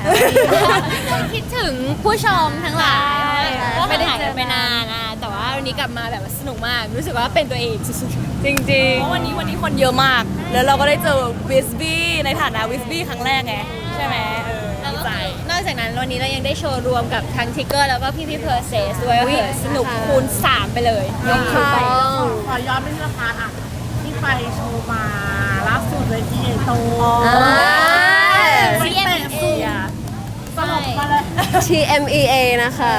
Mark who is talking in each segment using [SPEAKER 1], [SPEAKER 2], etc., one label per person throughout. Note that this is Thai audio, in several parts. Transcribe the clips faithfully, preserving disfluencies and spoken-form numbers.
[SPEAKER 1] คิดถึงผู้ชมทั้งหลายก็
[SPEAKER 2] ไม่
[SPEAKER 1] ไม่
[SPEAKER 2] ได้
[SPEAKER 1] ได้
[SPEAKER 2] เจ
[SPEAKER 1] หาย
[SPEAKER 2] อ
[SPEAKER 1] กันไปนานนะแต่ว่าวันนี้กลับมาแบบสนุกมากรู้สึกว่าเป็นตัวเองสุด
[SPEAKER 2] จริงๆเพราะวันนี้วันนี้คนเยอะมาก แล้วเราก็ได้เจอวิสบี้ในฐานะวิสบี้ครั้งแรกไงใช่ไหมเออ
[SPEAKER 1] ๆแล้ว
[SPEAKER 2] ดี
[SPEAKER 1] ก็
[SPEAKER 2] ใจ
[SPEAKER 1] คือนอกจากนั้นวันนี้เรายังได้โชว์รวมกับทั้งทิกเกอร์แล้วก็พี่พี่เพอร์เซสด้วยก็คือสนุกคูณสามไปเลยยกขึ้นไป
[SPEAKER 3] ขอย้อนไปที่ราคาอ่ะที่ไปโชว์มาล่าสุดเลยที่เอโตไปเตะสูงสลบมาเลย
[SPEAKER 4] ที เอ็ม อี เอ นะคะ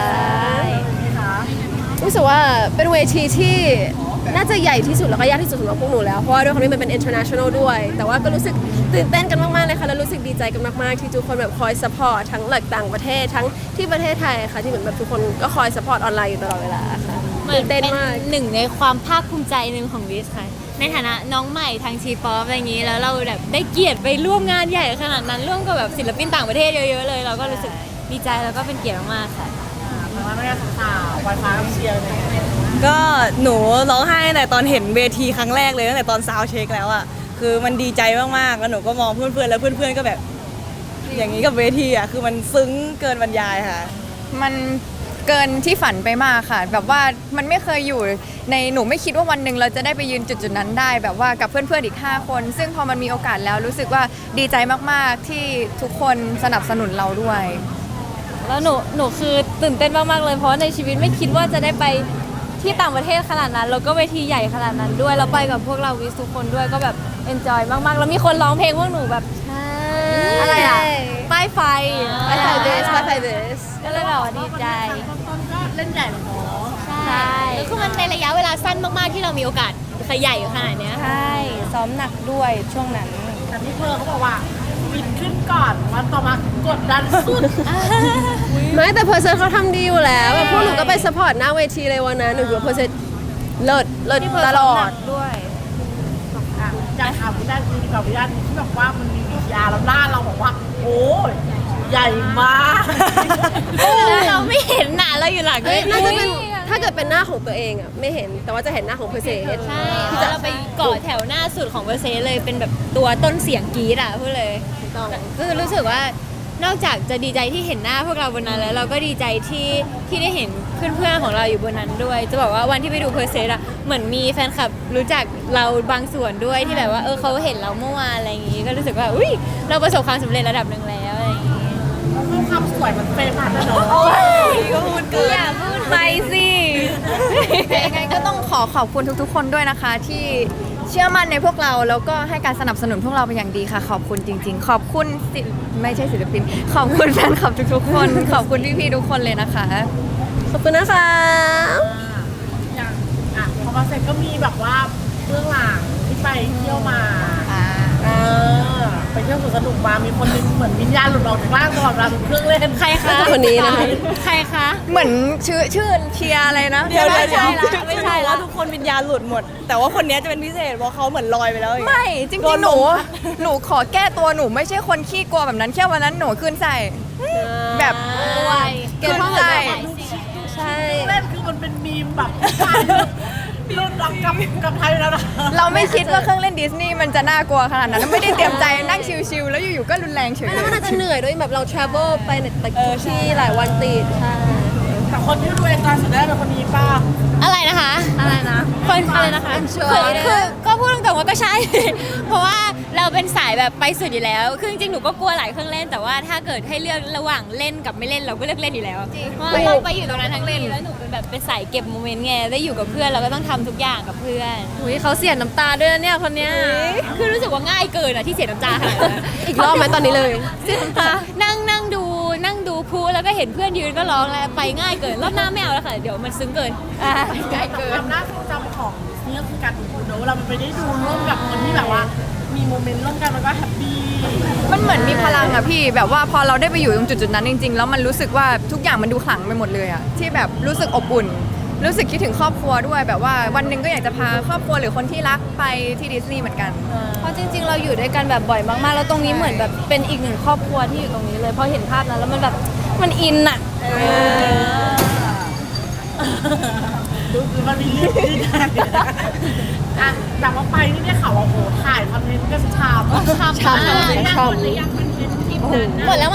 [SPEAKER 4] รู้สึกว่าเป็นเวทีที่น่าจะใหญ่ที่สุดแล้วก็ยากที่สุดสำหรับพวกหนูแล้ว เพราะว่าด้วยความที่มันเป็น international ด้วย แต่ว่าก็รู้สึกตื่นเต้นกันมากๆเลยค่ะ แล้วรู้สึกดีใจกันมากๆ ที่ทุกคนแบบคอย support ทั้งหลักต่างประเทศทั้งที่ประเทศไทยค่ะที่เหมือนแบบทุกคนก็คอย support ออนไลน์อยู่ตลอดเวลาค่ะ
[SPEAKER 1] เหมือ
[SPEAKER 4] ตื่
[SPEAKER 1] น
[SPEAKER 4] น
[SPEAKER 1] เป็
[SPEAKER 4] เต้
[SPEAKER 1] น
[SPEAKER 4] นมาก
[SPEAKER 1] หนึ่งในความภาคภูมิใจหนึ่งของวิสค่ะในฐานะน้องใหม่ทางทีป๊อปอะไรอย่างนี้แล้วเราแบบได้เกียรติไปร่วมงานใหญ่ขนาดนั้นร่วมกับแบบศิลปินต่างประเทศเยอะๆเลย เราก็รู้สึกดีใจแล้วก็เป็นเกียรติมากๆค่ะ
[SPEAKER 3] เพราะว่าไม่ได้สาวไวฟ้าเชียร์เลย
[SPEAKER 2] ก็หนูร้องไห้ตั้งแต่ตอนเห็นเวทีครั้งแรกเลยตั้งแต่ตอนซาวด์เช็คแล้วอ่ะคือมันดีใจมากๆแล้วหนูก็มองเพื่อนๆแล้วเพื่อนๆก็แบบ อย่างนี้กับเวทีอ่ะคือมันซึ้งเกินบรรยายค่ะ
[SPEAKER 5] มันเกินที่ฝันไปมากค่ะ แบบว่ามันไม่เคยอยู่ในหนูไม่คิดว่าวันหนึ่งเราจะได้ไปยืนจุดจุดๆนั้นได้ แบบว่ากับเพื่อนๆอีกห้าคน ซึ่งพอมันมีโอกาสแล้วรู้สึกว่าดีใจมากๆที่ทุกคนสนับสนุนเราด้วย
[SPEAKER 2] แล้วหนูหนูคือตื่นเต้นมากๆเลยเพราะในชีวิตไม่คิดว่าจะได้ไปที่ต่างประเทศขนาดนั้นแล้วก็เวทีใหญ่ขนาดนั้นด้วยแล้วไปกับพวกเราวิสทุกคนด้วยก็แบบเอนจอยมากๆแล้วมีคนร้องเพลงพวกหนูแบบอะไรอ่ะป้ายไฟ
[SPEAKER 4] ไปไฟเบสไปไฟเบส
[SPEAKER 2] ก็เลยแบบว่าดีใจ
[SPEAKER 3] ต้นๆก็เล่นใหญ่เลยเนาะ
[SPEAKER 1] ใช่แล้วคือมันในระยะเวลาสั้นมากๆที่เรามีโอกาสขยายขนาดเนี้ย
[SPEAKER 2] ใช่ซ้อมหนักด้วยช่วงนั้น
[SPEAKER 3] แต่พี่เพอร์เขาบอกว่าบินขึ้นก่อนวันต่อมากดดันสุด
[SPEAKER 4] ไม่แต่เพอร์เซนเขาทำดีอยู่แล้วแบบพวกหนูก็ไป support หน้าเวทีเลยวันนั้นหนูคิดว่าเพอร์เซนเลิศเลิศตลอด
[SPEAKER 2] ด้วย
[SPEAKER 3] อ่ะอยากถามวิญาณดีกว่าวิญาณที่แบบว่ามันมีวิทยาแล้วหน้าเราบอกว่า โอ้ยใหญ่มาก
[SPEAKER 1] แล้วเราไม่เห็นหนาเราอยู่หลัง
[SPEAKER 4] เอ้ยน่าจะเป็น
[SPEAKER 1] อุ๊ย
[SPEAKER 4] ถ้าเกิดเป็นหน้าของตัวเองอ่ะไม่เห็นแต่ว่าจะเห็นหน้าของเพอร์เซน
[SPEAKER 1] ใช่เพราะเราไปเกาะแถวหน้าสุดของเบอร์เซเลยเป็นแบบตัวต้นเสียงกรีดอ่ะพูดเลยก็คือรู้สึกว่านอกจากจะดีใจที่เห็นหน้าพวกเราบนนั้นแล้วเราก็ดีใจที่ที่ได้เห็นเพื่อนๆของเราอยู่บนนั้นด้วย จะบอกว่าวันที่ไปดูเพอร์เซอะเหมือนมีแฟนคลับรู้จักเราบางส่วนด้วยที่แบบว่าเออเขาเห็นเราเมื่อวานอะไรอย่างงี้ก็รู้สึกว่าอุ้ยเราประสบความสำเร็จระดับหนึ่งแล้วอะไรอย่างงี้
[SPEAKER 3] เพราะความสวยมันเฟรมผ่านแล้วเนาะ
[SPEAKER 2] ก็พูดเกิน
[SPEAKER 1] อย่าพูด
[SPEAKER 2] ไปสิ
[SPEAKER 5] ยังไงก็ต้องขอขอบคุณทุกๆ คนด้วยนะคะ ที่เชื่อมั่นในพวกเราแล้วก็ให้การสนับสนุนพวกเราเป็นอย่างดีค่ะ ขอบคุณจริง ๆ ขอบคุณศิลไม่ใช่ศิลปิน ขอบคุณแฟนคลับทุกๆ คน ขอบคุณพี่ๆทุกคนเลยนะคะ
[SPEAKER 4] ขอบคุณนะคะ
[SPEAKER 3] อย่างอ่ะพอมาเสร็จก็มีแบบว่าเบื้องหลังที่ไปเที่ยวมาเออไปเที่ยวสวนสนุกมามีคนหนึงเหมือนวิญญาณหลุดออกจากร่างตลอดเวลาทุกเครื่องเล่น
[SPEAKER 1] ใครคะ
[SPEAKER 4] คนนี้นะคะ
[SPEAKER 1] ใครคะ
[SPEAKER 5] เหมือนชื่อชื่อเชียร์อะไรนะ
[SPEAKER 2] เดี๋ยวเดี๋ยว
[SPEAKER 5] ใช่
[SPEAKER 2] เดี๋ยว
[SPEAKER 5] ละ
[SPEAKER 2] ไม่ใช่แล้วทุกคนวิญญาณหลุดหมด แต่ว่าคนนี้จะเป็นพิเศษเพราะเขาเหมือนลอยไปแล้วอย่างเงี้ย
[SPEAKER 5] ไม่จริงๆหนู หนูขอแก้ตัวหนูไม่ใช่คนขี้กลัวแบบนั้นแค่วันนั้นหนูขึ้นใส่แบบ
[SPEAKER 1] ด้วย
[SPEAKER 4] เก็บข้อมูลแบบใช่
[SPEAKER 3] เล่นคือมันเป็นมีมแบบชายรุ่นรักกับกับไทยแล้วนะ
[SPEAKER 5] เราไม่คิดว่าเครื่องเล่นดิสนีย์มันจะน่ากลัวขนาดนั้นไม่ได้เตรียมใจนั่งชิลๆแล้วอยู่ๆก็รุนแรงเฉย
[SPEAKER 4] แล้วมันอาจจะเหนื่อยด้วยแบบเรา travel ไปในแต่ทุกที่หลายวันติดใช่
[SPEAKER 3] แต่คนที่ดูเองการสุดแรกเป็นคนนี้ป้า
[SPEAKER 1] อะไรนะคะ
[SPEAKER 4] อะไรนะ
[SPEAKER 1] คนอะไรนะคะคือคือก็พูดตรงๆว่าก็ใช่ เพราะว่าเราเป็นสายแบบไปสุดอยู่แล้ว คือจริงๆ หนูก็กลัวหลายเครื่องเล่น แต่ว่าถ้าเกิดให้เลือกระหว่างเล่นกับไม่เล่นเราก็เลือกเล่นอยู่แล้ว เพราะว่าเราไปอยู่ตรงนั้นทั้งเล่น แล้วหนูเป็นแบบเป็นสายเก็บโมเมนต์ไง ได้อยู่กับเพื่อนเราก็ต้องทำทุกอย่างกับเพื่อน
[SPEAKER 4] อุ้ยเขาเสียน้ำตาด้วยนะเนี่ยคนเนี้ย
[SPEAKER 1] คือรู้สึกว่าง่ายเกินอะที่เสียน้ำตาขนาดนั้น
[SPEAKER 4] อีกรอบไหมตอนนี้เลย
[SPEAKER 1] เสียน้ำตา นั่งนั่งดูนั่งดูพูแล้วก็เห็นเพื่อนยืนก็ร้องแล้วไปง่ายเกิน รอบหน้าไม่เอาแล้วค่ะ เดี๋ยวมันซึ้งเกิน
[SPEAKER 3] ใกล้เกินความน่าทรงจำของนี่ก็คือการดูเนอะเราไปได้ดูร่วมกับคนที่แบบว่า มีโมเมนต์ร่วมกันมันก็แฮปปี้
[SPEAKER 5] มันเหมือนมีพลังอะพี่แบบว่าพอเราได้ไปอยู่ตรงจุดๆนั้นจริงๆ แล้วมันรู้สึกว่าทุกอย่างมันดูขลังไปหมดเลยอะที่แบบรู้สึกอบอุ่น รู้สึกคิดถึงครอบครัวด้วยแบบว่าวันหนึ่งก็อยากจะพาครอบครัวหรือคนที่รักไปที่ดิสนีย์เหมือนกัน
[SPEAKER 2] เพราะจริงๆ เราอยู่ด้วยกันแบบบ่อยมากๆ แล้วตรงนี้เหมือนแบบเป็นอีกหนึ่งครอบครัวที่อยู่ตรงนี้เลยพอเห็นภาพนั้นแล้วมันแบบมันอินอะ
[SPEAKER 3] ดูคือมันมีเรื่องที่ได้อ่ะแต่ว่าไปนี่ได้ข่าวว่าโหถ่ายคอนเทนต์กันชาม
[SPEAKER 1] ชาม
[SPEAKER 3] ชาม
[SPEAKER 1] มาก
[SPEAKER 3] ชามหรือยังคอนเทนต์คลิปนั้น
[SPEAKER 1] หมดแล้วมั้ง
[SPEAKER 3] เอ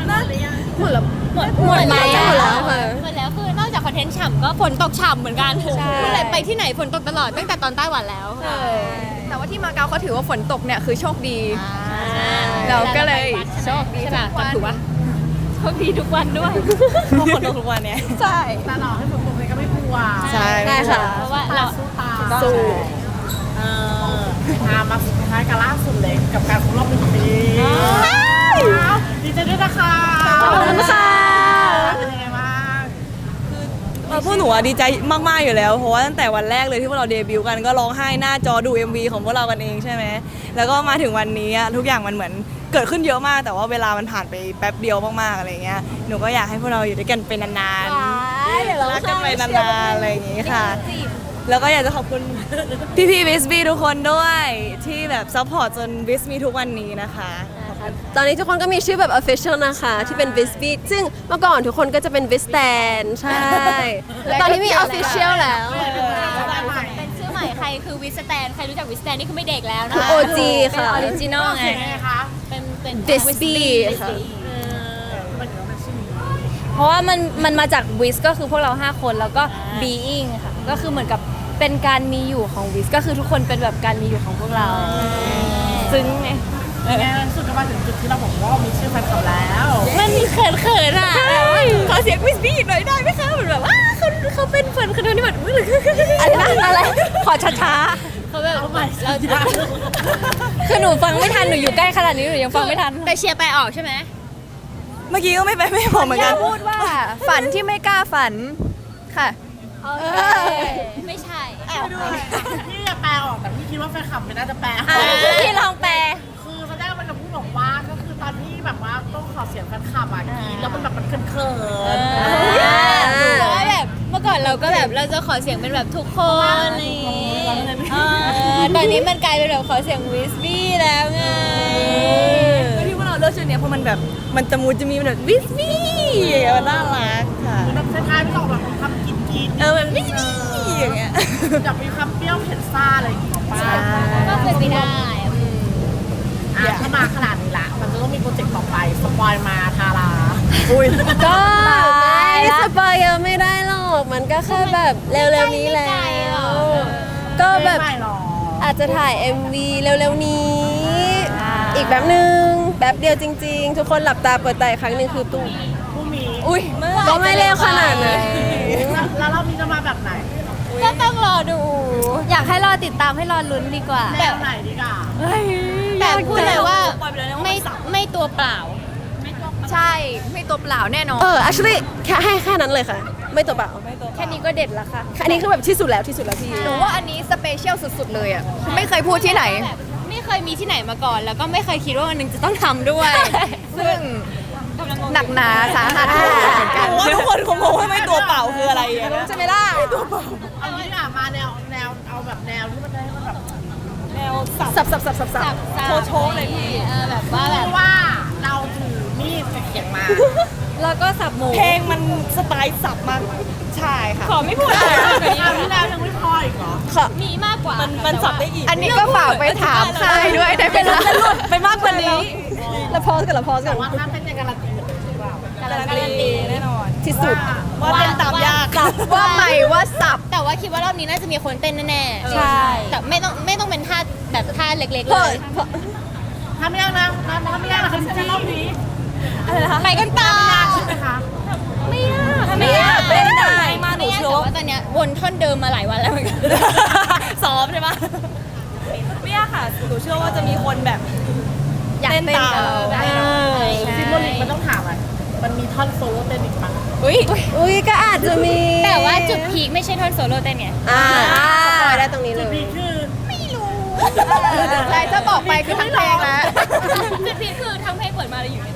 [SPEAKER 4] หมดแล้ว
[SPEAKER 1] หมด
[SPEAKER 4] หมดไหมหมดแล้วค่ะ
[SPEAKER 1] หมดแล้วคือนอกจากคอนเทนต์ฉ่ำก็ฝนตกฉ่ำเหมือนกันเมื่อไหร่ไปที่ไหนฝนตกตลอดตั้งแต่ตอนไต้หวันแล้ว
[SPEAKER 5] แต่ว่าที่มาเก๊าเขาถือว่าฝนตกเนี่ยคือโชคดี เราก็เลยโชคดี
[SPEAKER 1] ใช่ป่ะ
[SPEAKER 5] ทุกวัน
[SPEAKER 1] ถูกปะ
[SPEAKER 2] โชคดีทุกวันด้วย
[SPEAKER 6] พวกคนทุกวันเนี้ย
[SPEAKER 5] ใช่
[SPEAKER 3] แต่หล่อให้ฝนตกเลยก็ไม่กลัว
[SPEAKER 6] ใช่
[SPEAKER 4] ได้ค่ะ
[SPEAKER 1] เพราะว่า
[SPEAKER 3] ตา
[SPEAKER 1] เรา
[SPEAKER 3] สู้ตา
[SPEAKER 4] สู้
[SPEAKER 3] เออมามาสุดท้ายกับล่าสุดเลยกับการครบรอบหนึ่งปีดีใจด้วยนะคะ
[SPEAKER 4] ขอบคุณค่ะ
[SPEAKER 3] เป็นยังไงบ้าง
[SPEAKER 6] เออพวกหนูอะดีใจมากๆอยู่แล้ว เพราะว่าตั้งแต่วันแรกเลยที่พวกเราเดบิวต์กันก็ร้องไห้หน้าจอดู เอ็ม วี ของพวกเรากันเองใช่ไหมแล้วก็มาถึงวันนี้อะทุกอย่างมันเหมือนเกิดขึ้นเยอะมาก แต่ว่าเวลามันผ่านไปแป๊บเดียวมากๆอะไรเงี้ยหนูก็อยากให้พวกเราอยู่ด้วยกันเป็นนานๆรักกันไปนานๆอะไรอย่างงี้ค่ะ แล้วก็อยากจะขอบคุณ พี่พี่วิสบีทุกคนด้วยที่แบบซัพพอร์ตจนวิสมีทุกวันนี้นะคะ
[SPEAKER 4] ตอนนี้ทุกคนก็มีชื่อแบบ official นะคะ ที่เป็น v i s b e a t ซึ่งเมื่อก่อนทุกคนก็จะเป็น v i s t a n ใช่ ตอนนี้มี official แล้ว
[SPEAKER 1] เป็นชื่อใหม่ใครคือวิสแตนใครรู้จักวิสแตนนี่คือไม่เด็กแล้วนะ
[SPEAKER 4] คือ
[SPEAKER 1] คะ
[SPEAKER 4] โอ จี ค่ะ
[SPEAKER 2] ออริจินอลไง
[SPEAKER 3] เสียงไงคะ
[SPEAKER 1] เป็นเป็น
[SPEAKER 4] Visby ค่ะ
[SPEAKER 3] เออมันถึงเป็นชื่อนี้
[SPEAKER 2] เพราะว่ามันมันมาจากวิสก็คือพวกเรา ห้า คนแล้วก็ being ค่ะ ก็คือเหมือนกับเป็นการมีอยู่ของวิสก็คือทุกคนเป็นแบบการมีอยู่ของพวกเรา ซึ้งไง
[SPEAKER 3] ไงสุดก็มาถึงจุดที่เราบอกว่ามีชื่อแฟนคลับแล้ว
[SPEAKER 1] มันมีเขินเขินๆอ่ะ
[SPEAKER 6] ขอเสียงวิสบี้หน่อยได้ไหมคะเหมือนแบบว่า
[SPEAKER 1] เขาเขาเป็นคนคนที่แบบ
[SPEAKER 2] อะไรนะอะไร ขอช้า
[SPEAKER 1] เขาแบบ
[SPEAKER 3] เอาใหม่
[SPEAKER 1] เราจะ
[SPEAKER 2] ๆ คือหนูฟังไม่ทัน หนูอยู่ใกล้ขนาดนี้หนูยังฟังไม่ทัน
[SPEAKER 1] แต่เชียร์ไปออกใช่ไหม
[SPEAKER 6] เมื่อกี้ก็ไม่ไปไม่บอกเหมือนกัน
[SPEAKER 5] พูดว่าฝันที่ไม่กล้าฝันค่ะ
[SPEAKER 1] ไม่ใช่
[SPEAKER 3] พี่จะแปลออกแต่พี่คิดว่าแฟนคลับไม่น่าจะแปล
[SPEAKER 2] อ่ะพี่ลองแปล
[SPEAKER 3] คือตอนแรกมันจะพูดบอกว่าก็คือตอนที่แบบว่าต้องขอเสียงแฟนคลับอ่ะกรีดแล้วมันแบบมันเขินๆ
[SPEAKER 1] เพราะว่าแบบเมื่อก่อนเราก็แบบเราจะขอเสียงเป็นแบบทุกคนอะไรอย่างงี้เออตอนนี้มันกลายเป็นแบบขอเสียงวิสบี้แล้วไง
[SPEAKER 6] ที่พวกเราเลือกชื่อเนี้ยเพราะมันแบบมันจะมูจะมีแบบวิสบี้มันน่ารักค่ะ
[SPEAKER 3] คือแบบท้ายๆไม่ต้องแบบมีคำกินกิน
[SPEAKER 6] เออแบบวิสบี้อย่างเงี้ย
[SPEAKER 3] จะมีคำเปรี้ยวเผ็ดซ่าอะไรอย่างเงี้ยป้า
[SPEAKER 1] ก็เป็นไปได้
[SPEAKER 3] อ่ะถ้ามาขนาดนี้ละมันจะต้องมีโปรเจกต์ต่อไปสปอยมาทารา
[SPEAKER 6] อุ้ย
[SPEAKER 4] ก็ไม่สปอยเยอะไม่ได้หรอก มันก็แค่แบบเร็วๆนี้แหละ
[SPEAKER 1] ไม่ไกลหรอก
[SPEAKER 4] ก็แบบ
[SPEAKER 3] ไม่หรอ
[SPEAKER 4] อาจจะถ่าย เอ็ม วี เร็วๆนี้ อีกแบบหนึ่งแบบเดียวจริงๆ ทุกคนหลับตาเปิดตาอีกครั้งหนึ่งคือตุ้ม
[SPEAKER 3] ผู้มี
[SPEAKER 6] อุ้ย
[SPEAKER 4] ก็ไม่เร็วขนาดนั้น
[SPEAKER 3] แล้วรอบนี้จะมาแบบไหน
[SPEAKER 1] ก็ต้องรอดู
[SPEAKER 2] อยากให้รอติดตามให้รอลุ้นดีกว่า
[SPEAKER 3] แบบไหนดีกว่า
[SPEAKER 1] แต่พูดเลยว่าไม่ไม่ตัวเปล่า
[SPEAKER 5] ใช่ไม่ตัวเปล่าแน่นอน
[SPEAKER 4] เออ actually แค่ให้แค่นั้นเลยค่ะ ไม่ตัวเปล่า
[SPEAKER 2] แค่นี้ก็เด็ดแล้วค่ะ
[SPEAKER 4] อันนี้คือแบบที่สุดแล้วที่สุดแล้วพี่
[SPEAKER 5] หนูว่าอันนี้สเปเชียลสุดๆเลยอ่ะ ไม่เคยพูดที่ไหน
[SPEAKER 1] แบบไม่เคยมีที่ไหนมาก่อน แล้วก็ไม่เคยคิดว่าวันหนึงจะต้องทำด้วย
[SPEAKER 5] ซึ่งหนักหนาสาหัสเหมือนกัน
[SPEAKER 6] ว่าทุกคนคงงงว่าไม่ตัวเปล่าคืออะไรอะนะ
[SPEAKER 4] ใช่ไหมล่ะ
[SPEAKER 3] เอางี้ดีกว่ามาแนวแนวเอาแบบแนวที่มันได้ให้มันแบบ
[SPEAKER 6] แนวสับ
[SPEAKER 4] สับสับสับสับสับ
[SPEAKER 1] สับสับ
[SPEAKER 6] โชว์ๆเลยพี่
[SPEAKER 1] เออแบบว่าแบบ
[SPEAKER 3] ที่ว่าเราถือมีดกับเขียงมา
[SPEAKER 2] แล้วก็สับหมู
[SPEAKER 6] เพลงมันสไตล์สับมากใช่ค่ะ
[SPEAKER 1] ขอไม่พูดอะไร
[SPEAKER 3] คราวที่แล้วยังไม่พออีกเหรอ
[SPEAKER 1] มีมากกว่า
[SPEAKER 6] มันมันสับได้อีก
[SPEAKER 5] อันนี้ก็ฝากไปถามค่ายด้วยได้ไหมคะ
[SPEAKER 6] ไปมากกว่านี้
[SPEAKER 4] แล้วพอสกันแล้วพอสกั
[SPEAKER 3] แต่
[SPEAKER 4] น
[SPEAKER 3] ว่าถ้าเต้นยังการันตีเหมือนเดิมหรือเปล่า
[SPEAKER 1] การันตี
[SPEAKER 6] แน่นอน
[SPEAKER 4] ที่สุด
[SPEAKER 6] ว่าเต้นตามยาก
[SPEAKER 5] ว่าใหม่ว่าสับ
[SPEAKER 1] แต่ว่าคิดว่ารอบนี้น่าจะมีคนเต้นแน่ๆ
[SPEAKER 2] ใช่
[SPEAKER 1] แต่ไม่ต้องไม่ต้องเป็นท่าแบบท่าเล็กๆ
[SPEAKER 4] เพ
[SPEAKER 1] เล
[SPEAKER 4] ราะ
[SPEAKER 1] ย
[SPEAKER 4] เพราะ
[SPEAKER 3] ถ้าไม่ยากนะถ้าถ้าไม่ยากนะคือจะรอบนี้
[SPEAKER 1] ไปกันต่อ
[SPEAKER 3] ใช่ไหมคะ
[SPEAKER 1] ไม่ยาก
[SPEAKER 6] ไม่ยาก
[SPEAKER 1] ไม่
[SPEAKER 6] เต้นได้
[SPEAKER 1] ได้
[SPEAKER 6] มากหนู
[SPEAKER 1] ไม่ยาก
[SPEAKER 6] เชื่
[SPEAKER 1] แต่
[SPEAKER 6] อว่า
[SPEAKER 1] ว่าตอนเนี้ยวนท่อนเดิมมาหลายวันแล้วเหมือนกัน
[SPEAKER 6] ซ้อมใช่ปะไม่ยากค่ะหนูเชื่อว่าจะมีคนแบบ
[SPEAKER 2] อยาก
[SPEAKER 6] เต้น
[SPEAKER 2] เต้น
[SPEAKER 6] ตาม
[SPEAKER 2] เออ
[SPEAKER 6] ได้
[SPEAKER 3] ซิมโบลิกมันต้องถามอ่ะมันมีท่อนโซโล่เต้นอีกปะ
[SPEAKER 6] อุ้ย
[SPEAKER 4] อุ้ยก็อาจจะมี
[SPEAKER 1] แต่ว่าจุดพีคไม่ใช่ท่อนโซโล่เต้นไง
[SPEAKER 4] อ่าสปอยได้ตรงนี้เล
[SPEAKER 3] จุด
[SPEAKER 4] ย
[SPEAKER 3] พีคคือ
[SPEAKER 5] ใช่ถ้าบอกไปคือทั้งเพลงแล้ว
[SPEAKER 1] จุดพีคคือทั้งเพลงเปิดมาเลยอยู่เนี่ย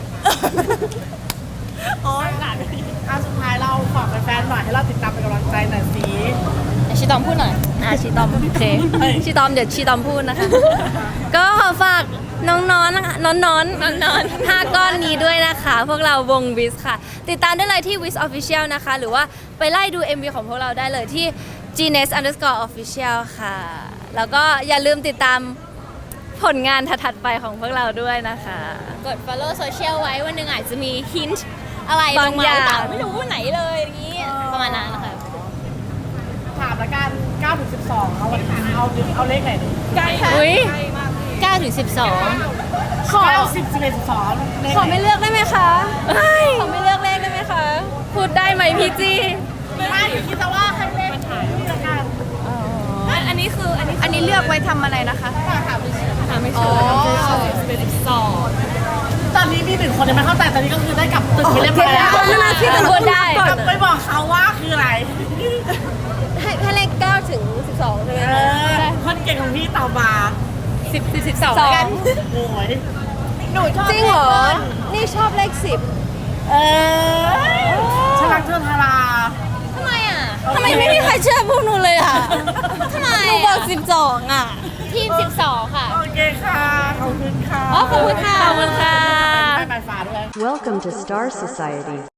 [SPEAKER 6] อ๋อ
[SPEAKER 3] อ่ะสุดท้ายเราฝากแฟนๆหน่อยให้เราติดตามเป็นกำลังใจหน่อยสิ
[SPEAKER 1] ชิตอมพูดหน่อย
[SPEAKER 2] อ่ะชีตอมโอเคชีตอมเดี๋ยวชีตอมพูดนะคะ ก็ขอฝากน้องๆนะคะน้องๆน้องน้องห้าก้อนนี้ด้วยนะคะ พวกเราวงวิสค่ะ ติดตามได้เลยที่ Wiz Official นะคะ หรือว่าไปไล่ดู เอ็ม วี ของพวกเราได้เลยที่ จี เนส underscore official ค่ะ แล้วก็อย่าลืมติดตามผลงานถัดๆไปของพวกเราด้วยนะคะ
[SPEAKER 1] กด follow social ไว้วันหนึ่งอาจจะมี hint อะไรล
[SPEAKER 2] บาง
[SPEAKER 1] งมา
[SPEAKER 2] อย่าง
[SPEAKER 1] หรือเปล่าไม่รู้ไหนเลยอย่างนี้ประมาณนั้นนะคะ
[SPEAKER 3] ถามละกันเก้าถึงสิบสองเอาวันเอาเอาเลขไหนดีใกล้
[SPEAKER 2] อุ้ย
[SPEAKER 1] เก้าถึงสิบสอง
[SPEAKER 3] ขอสิบสิบเอ็ดสิบสองเลข
[SPEAKER 4] ขอ
[SPEAKER 3] ไหน
[SPEAKER 4] ไม่เลือกได้ไหมคะ
[SPEAKER 2] เฮ้ย
[SPEAKER 4] ขอไม่เลือกเลขได้ไหมคะ
[SPEAKER 2] พูดได้ไหมพี่จี้
[SPEAKER 3] ไม่คิดแต่ว่าให้เลขนี่ละกัน
[SPEAKER 6] อันนี้คืออันนี้
[SPEAKER 5] อันนี้เลือกไว้ทำอะไรนะคะ
[SPEAKER 6] ถามไม่เชื่อสิบเอ็ดสิบสอง
[SPEAKER 3] ตอนนี้มีหนึ่งคนยังไม่เข้าใจตอนนี้ก็คือได้กลับตึกไปเรียบร้อยแล้ว
[SPEAKER 4] คนละที่แต่
[SPEAKER 2] พูดได้
[SPEAKER 3] กลับไปบอกเขาว่าคืออะไร
[SPEAKER 4] ให้ให้เลขเก้าถึงสิบสองใช่ไหม
[SPEAKER 3] เอ
[SPEAKER 4] คะ
[SPEAKER 3] อคนเก่งของพี่ตอบมา
[SPEAKER 2] สิบสิบสิบสองแล้วกัน
[SPEAKER 3] โอ้ย
[SPEAKER 5] หนูชอบ
[SPEAKER 4] จริงเหรอ นี่ชอบเลขสิบ
[SPEAKER 3] เออฉลักเทือนทารา
[SPEAKER 1] ทำไมอ่ะ
[SPEAKER 2] ทำไมไม่มีใครเชื่อพวกหนูเลยอ่ะ
[SPEAKER 1] ทำไม
[SPEAKER 2] หนูบอกสิบสองอ่ะ
[SPEAKER 1] ทีมสิบสองค่ะ
[SPEAKER 3] โอเคค่ะ ขอบคุณค่ะ
[SPEAKER 1] อ๋อขอบคุณค่ะ
[SPEAKER 2] ขอบคุณค่ะ
[SPEAKER 3] ไปไปฟ้าด้วย
[SPEAKER 7] Welcome to Star Society.